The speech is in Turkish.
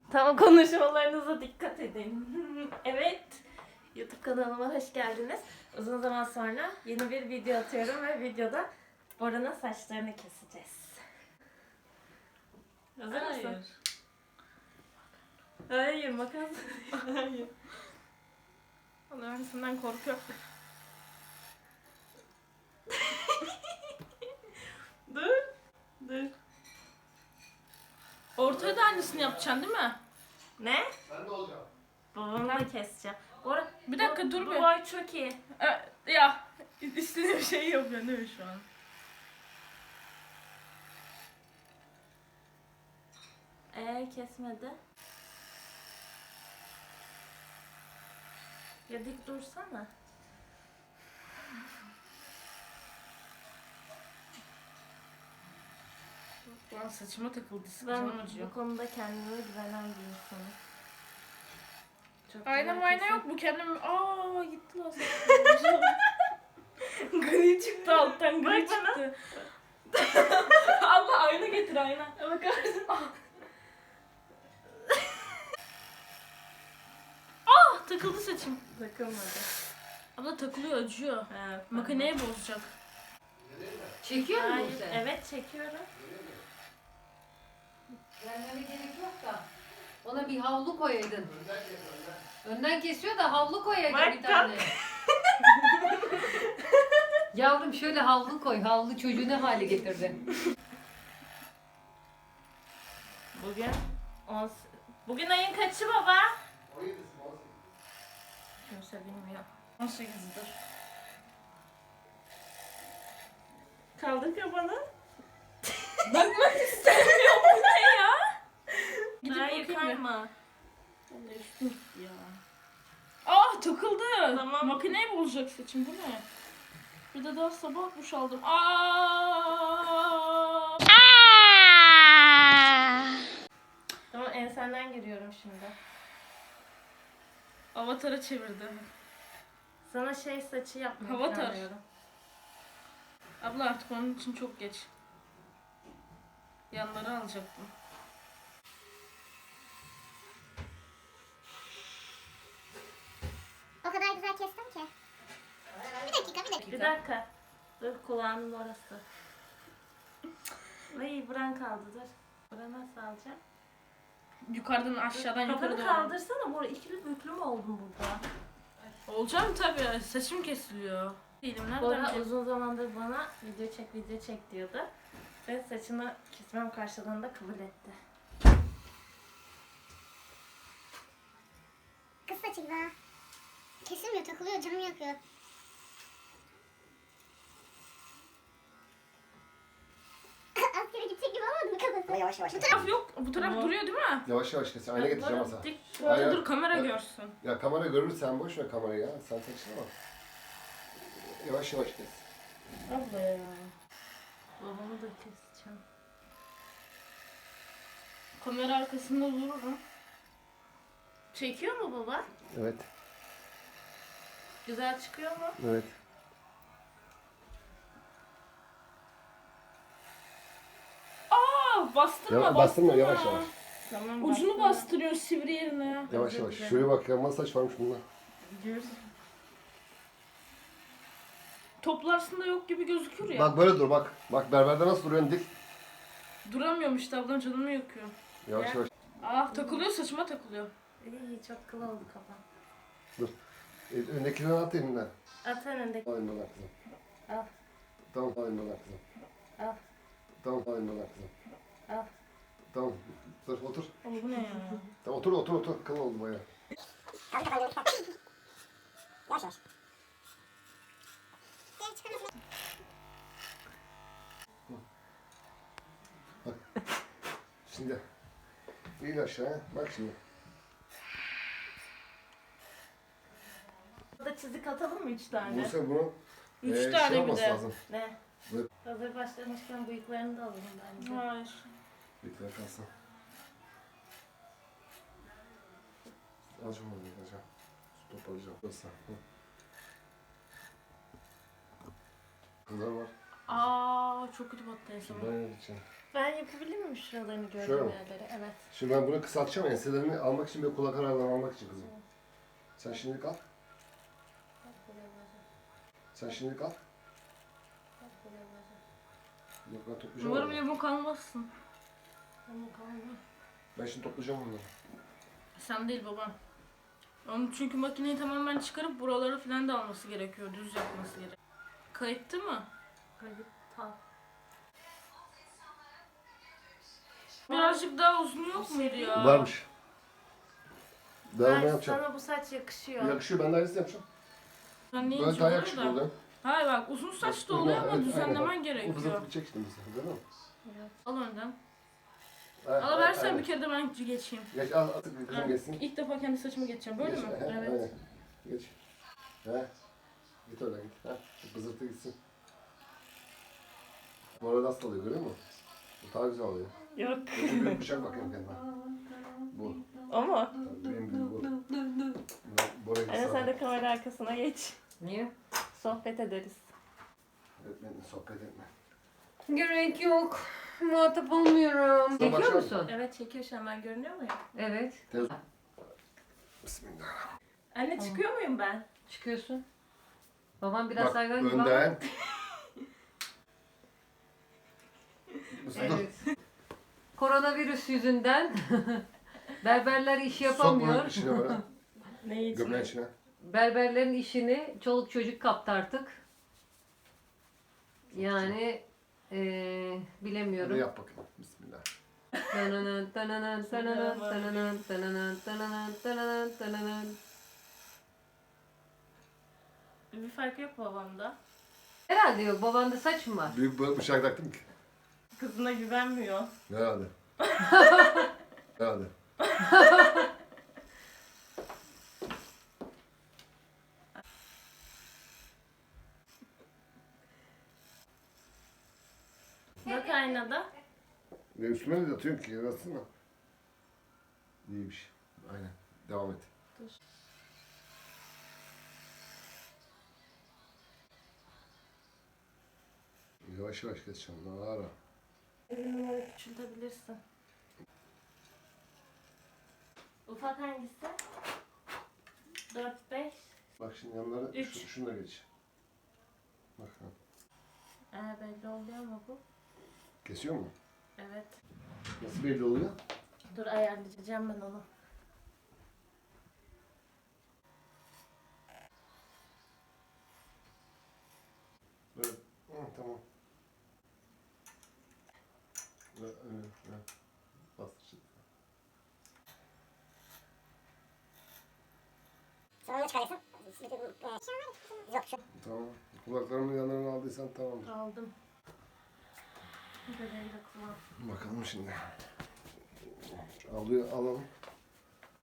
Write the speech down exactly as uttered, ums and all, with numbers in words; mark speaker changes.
Speaker 1: Tamam, konuşmalarınıza dikkat edin. Evet. YouTube kanalıma hoş geldiniz. Uzun zaman sonra yeni bir video atıyorum ve videoda Bora'nın saçlarını keseceğiz. Hazır
Speaker 2: Hayır.
Speaker 1: mısın? Hayır, makas.
Speaker 2: Hayır. Vallahi ben senden korkuyorum.
Speaker 1: Dur. Dur.
Speaker 2: Ortaya da aynısını yapacaksın değil mi?
Speaker 1: Ne?
Speaker 3: Ben de olacağım.
Speaker 1: Babamla keseceğim. Bora,
Speaker 2: Bir dakika,
Speaker 1: bu-
Speaker 2: dur
Speaker 1: bu
Speaker 2: bir.
Speaker 1: boy çok iyi.
Speaker 2: Ee, ya istediğim şeyi yapıyorsun değil mi şu an?
Speaker 1: Ee kesmedi. Ya dik dursana.
Speaker 2: Lan saçıma takıldı.
Speaker 1: Ben
Speaker 2: Sıkıcım acıyor.
Speaker 1: bu konuda kendime güvenen bir insanım. Çok
Speaker 2: Ayna
Speaker 1: güzel
Speaker 2: mayna
Speaker 1: kesin.
Speaker 2: yok mu kendimi? Aa gitti lan saçım. Gri çıktı alttan, gri
Speaker 1: Bak bana.
Speaker 2: çıktı. Allah ayna getir ayna.
Speaker 1: Bakar mısın?
Speaker 2: Ah takıldı saçım.
Speaker 1: Takılmadı.
Speaker 2: Abla takılıyor, acıyor.
Speaker 1: Evet,
Speaker 2: Makineye bozacak.
Speaker 4: Çekiyor musun
Speaker 1: Hayır,
Speaker 4: sen?
Speaker 1: evet çekiyorum.
Speaker 4: Gelmene gerek yok da. Ona bir havlu koyaydın.
Speaker 3: Önden kes önden.
Speaker 4: Önden kesiyor da havlu koyaydın
Speaker 1: Bak,
Speaker 4: bir tane. Yavrum şöyle havlu koy. Havlu çocuğu ne hale getirdi.
Speaker 1: Bugün on... Bugün ayın kaçı baba?
Speaker 3: on yedisi, on sekizi.
Speaker 1: Kimse bilmiyor.
Speaker 2: on sekizdir.
Speaker 1: Kaldır kafanı.
Speaker 2: Bakmak istemiyorum. Bu ne ya? Gidip
Speaker 1: Hayır,
Speaker 2: bakayım bir.
Speaker 1: kayma.
Speaker 2: Ben de üstüm gitti ya. Ah takıldı.
Speaker 1: Tamam.
Speaker 2: Makineye bozacak saçım, bu ne? Bir de daha sabah duş aldım. Aa!
Speaker 1: Tamam, ensenden giriyorum şimdi.
Speaker 2: Avatar'a çevirdi.
Speaker 1: Sana şey saçı yapmayı
Speaker 2: Avatar.
Speaker 1: planlıyorum.
Speaker 2: Abla artık onun için çok geç. Yanları alacaktım.
Speaker 5: O kadar güzel kestim ki. Bir dakika, bir dakika.
Speaker 1: Bir dakika. Dur, kulağının orası. Ay, buran kaldı, dur. Buranı nasıl alacağım?
Speaker 2: Yukarıdan aşağıdan yukarı
Speaker 1: Kafanı
Speaker 2: doğru.
Speaker 1: kaldırsana, Bora. İkili büklü mü oldun burada?
Speaker 2: Olacağım tabii. Saçım kesiliyor. Değilim nereden
Speaker 1: Bora
Speaker 2: bileyim?
Speaker 1: uzun zamandır bana video çek, video çek diyordu. Ve saçını kesmem karşılığında kabul etti.
Speaker 5: Kız saçı gibi ha. Kesilmiyor, takılıyor, canımı yakıyor. Askere gidecek gibi olmadı mı kafası?
Speaker 6: Yavaş yavaş.
Speaker 2: Bu taraf yok. Bu taraf
Speaker 1: Tamam.
Speaker 2: duruyor değil mi?
Speaker 3: Yavaş yavaş kes. Ayna getireceğim
Speaker 1: Bora,
Speaker 3: masa.
Speaker 1: dik-
Speaker 2: Dur,
Speaker 3: Aynen.
Speaker 2: dur kamera
Speaker 3: Evet.
Speaker 2: görsün.
Speaker 3: Ya kamera görür, sen boş ver kamerayı ya. Sen saçına bak. Yavaş yavaş kes.
Speaker 1: Abla ya. Babamı da keseceğim.
Speaker 2: Kamera arkasında dururum.
Speaker 1: Çekiyor mu baba?
Speaker 3: Evet.
Speaker 1: Güzel çıkıyor mu?
Speaker 3: Evet.
Speaker 2: Aa bastırma
Speaker 3: Ya,
Speaker 2: bastırma.
Speaker 3: bastırma, yavaş yavaş.
Speaker 1: Tamam.
Speaker 2: Ucunu
Speaker 1: bastım.
Speaker 2: bastırıyor sivri yerine.
Speaker 3: Yavaş
Speaker 1: Özür
Speaker 3: yavaş.
Speaker 1: dilerim.
Speaker 3: Şuraya bak ya. Nasıl saç varmış bunda.
Speaker 1: Gidiyoruz.
Speaker 2: Toplarsında yok gibi gözükür ya.
Speaker 3: Bak böyle dur bak. Bak berberde nasıl duruyorsun dik.
Speaker 2: Duramıyorum işte ablam, canımı yakıyor.
Speaker 3: Yavaş
Speaker 1: Ya.
Speaker 3: yavaş.
Speaker 2: Ah takılıyor, saçıma takılıyor.
Speaker 1: İyi, çok kıl oldu kafam.
Speaker 3: E, öndekinden at elinden.
Speaker 1: At önündeki.
Speaker 3: Alayım bana kızım.
Speaker 1: Al.
Speaker 3: Tamam alayım bana kızım.
Speaker 1: Al.
Speaker 3: Tamam alayım bana kızım.
Speaker 1: Al.
Speaker 3: Tamam. Dur otur.
Speaker 2: Oğlum bu ne ya?
Speaker 3: Tamam otur otur otur. Kıl oldu bayağı.
Speaker 6: Kaldır kafayı yavaş yavaş. Yavaş.
Speaker 5: Gel çıkalım.
Speaker 3: Şimdi. İn aşağı. Bak şimdi.
Speaker 1: Burada çizik atalım mı üç tane?
Speaker 3: Buse bunu
Speaker 2: Üç
Speaker 3: e,
Speaker 2: tane
Speaker 3: şey
Speaker 2: bir
Speaker 3: olması
Speaker 2: de.
Speaker 3: lazım.
Speaker 1: Ne?
Speaker 3: Evet.
Speaker 1: Hazır başlamışken bıyıklarını da alalım bence.
Speaker 2: Hayır.
Speaker 3: Bir tane kalsın. Azıcık mı yıkayacağım? Su toparlayacağım. Nasıl? Hı. Kızlar var.
Speaker 2: Aa Aa çok kötü battı en son.
Speaker 3: Ben yapacağım.
Speaker 1: Ben yapabilir miyim şuralarını
Speaker 3: Şöyle
Speaker 1: gördüğüm
Speaker 3: mi?
Speaker 1: yerleri? Evet.
Speaker 3: Şimdi ben bunu kısaltacağım enselerini almak için ve kulak aralarını almak için kızım. Sen şimdilik al. Sen şimdilik al. Yok ben toplayacağım
Speaker 2: Umarım
Speaker 3: onları.
Speaker 2: yamuk kalmazsın.
Speaker 3: Ben şimdi toplayacağım onları.
Speaker 2: Sen değil babam. Onun çünkü makineyi tamamen çıkarıp buraları falan da alması gerekiyor. Düz yapması gerekiyor. Kayıttı mı?
Speaker 1: Kayıt ta.
Speaker 2: Birazcık daha uzun yok muydu ya?
Speaker 3: Varmış. Ben ne
Speaker 1: Ben
Speaker 3: yapacağım?
Speaker 1: sana bu saç yakışıyor.
Speaker 3: Yakışıyor ben de aynısını yapacağım.
Speaker 2: Ben neyim
Speaker 3: Böyle daha yakışıklı
Speaker 2: da.
Speaker 3: oluyor.
Speaker 2: Hayır bak uzun saç da oluyor ama
Speaker 3: Evet,
Speaker 2: düzenlemen
Speaker 3: aynen. Bu
Speaker 2: gerekiyor.
Speaker 3: fızıltı gidecek şimdi mesela değil mi?
Speaker 2: Al önden.
Speaker 3: Evet,
Speaker 2: Al versen
Speaker 3: aynen.
Speaker 2: bir kere de ben geçeyim.
Speaker 3: Geç al artık kızım
Speaker 2: Evet.
Speaker 3: geçsin.
Speaker 2: İlk defa kendi saçımı geçeceğim. Böyle
Speaker 3: Geç,
Speaker 2: mi?
Speaker 3: he,
Speaker 2: Evet.
Speaker 3: aynen. Geç. He. Git öyle git. He. Bu Fızıltı gitsin. Bu arada nasıl oluyor görüyor musun? Bu daha güzel oluyor.
Speaker 1: Yok.
Speaker 3: Şu büyük bıçak bakayım kendime. Bu.
Speaker 1: O mu?
Speaker 3: Tabii benim gibi bu. Bundan Bora
Speaker 1: Anne sen de kamera arkasına geç.
Speaker 4: Niye?
Speaker 1: Sohbet ederiz.
Speaker 3: Öğretmenle sohbet etme.
Speaker 4: Gerek yok. Muhatap olmuyorum. Çekiyor
Speaker 3: başlayalım.
Speaker 4: musun?
Speaker 1: Evet çekiyor şu an, ben görünüyor muyum?
Speaker 4: Evet.
Speaker 3: Tez. Bismillah.
Speaker 1: Anne çıkıyor muyum ben?
Speaker 4: Çıkıyorsun. Babam biraz
Speaker 3: Bak
Speaker 4: hayvan gibi ama-
Speaker 3: önden. Mustafa.
Speaker 4: Evet. Koronavirüs yüzünden berberler iş
Speaker 3: Sok bunu
Speaker 4: yapamıyor.
Speaker 3: içine böyle.
Speaker 1: Neyi
Speaker 3: Gömleğin içine.
Speaker 4: Berberlerin işini çoluk çocuk kaptı artık. Yani eee
Speaker 3: Hadi
Speaker 4: bilemiyorum.
Speaker 3: yap bakayım. Bismillah.
Speaker 4: Tananan, tananan, tananan, tananan, tananan, tananan, tananan, tananan.
Speaker 1: Bir fark yok babamda.
Speaker 4: Herhalde yok. Babanda saç mı var?
Speaker 3: Büyük bir bıçak taktım ki.
Speaker 1: Kızına güvenmiyor.
Speaker 3: Herhalde. Herhalde.
Speaker 1: Bak aynada.
Speaker 3: Ne üstüme de atıyorsun ki yarasın mı? İyiymiş. Aynen. Devam et.
Speaker 1: Dur.
Speaker 3: Yavaş yavaş geçeceğim. Daha ara.
Speaker 1: Bir numara küçültebilirsin. Ufak hangisi? dört beş.
Speaker 3: Bak şimdi yanlara
Speaker 1: Üç.
Speaker 3: şu, şunu da geç. Bak ha.
Speaker 1: Ee, belli oluyor mu bu?
Speaker 3: Kesiyor mu?
Speaker 1: Evet.
Speaker 3: Nasıl belli oluyor?
Speaker 1: Dur ayarlayacağım ben onu.
Speaker 3: Böyle. Hı, tamam. Böyle, öyle, öyle. Bastır şimdi.
Speaker 6: Sonra onu çıkarırsın. Bütün, e, yok şu.
Speaker 3: Tamam. Kulaklarımın yanlarını aldıysan tamamdır.
Speaker 1: Aldım. Bebeği de kullan.
Speaker 3: Bakalım şimdi. Alıyor, alalım.